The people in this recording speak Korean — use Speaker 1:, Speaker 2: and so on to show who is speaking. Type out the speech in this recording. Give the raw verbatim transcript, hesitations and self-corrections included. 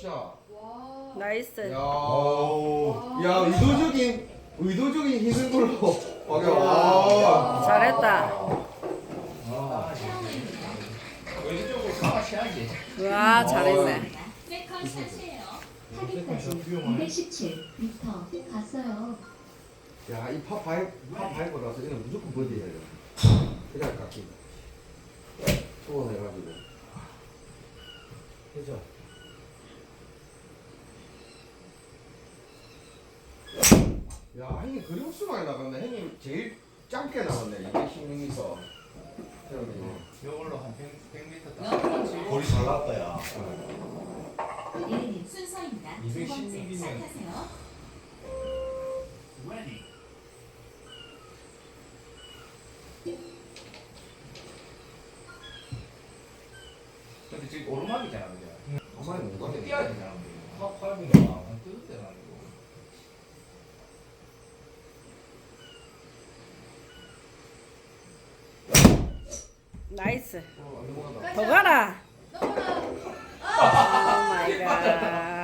Speaker 1: 샷.
Speaker 2: 와.
Speaker 3: 나이스.
Speaker 1: 야,
Speaker 4: 오.
Speaker 1: 야 의도적인 의도적인 힘든 걸로. 와.
Speaker 3: 잘했다.
Speaker 4: 아, 왼쪽으로 강화해야지.
Speaker 3: 와, 잘했네.
Speaker 5: 세컨 샷이에요.
Speaker 6: 타겟까지 이백십칠 미터 갔어요.
Speaker 1: 야, 이 파파이 파파이고 나서 이거 무조건 버디해야 돼. 그냥 깎기. 소원해가지고. 그죠? 야, 형님 그림수 많이 나갔네. 형님 제일 짧게 나갔네. 이백십육 미터. 형님.
Speaker 4: 이걸로 한 백, 백 미터 딱.
Speaker 7: 거리 잘 나왔다 야.
Speaker 6: 예린
Speaker 5: 순서입니다. 두
Speaker 4: 이백십육
Speaker 5: 번째
Speaker 4: 이면
Speaker 5: 시작하세요.
Speaker 4: 근데 지금 오르막이잖아, 그죠?
Speaker 1: 가만히 못
Speaker 4: 근데
Speaker 1: 가네.
Speaker 4: 뛰어야 되잖아. 확 밟으면 안 뜯을 때가 아니고.
Speaker 3: 나이스.
Speaker 1: 어, 안 넘어간다.
Speaker 3: 더 가라.
Speaker 2: 넘어라.
Speaker 3: 오 마이 갓.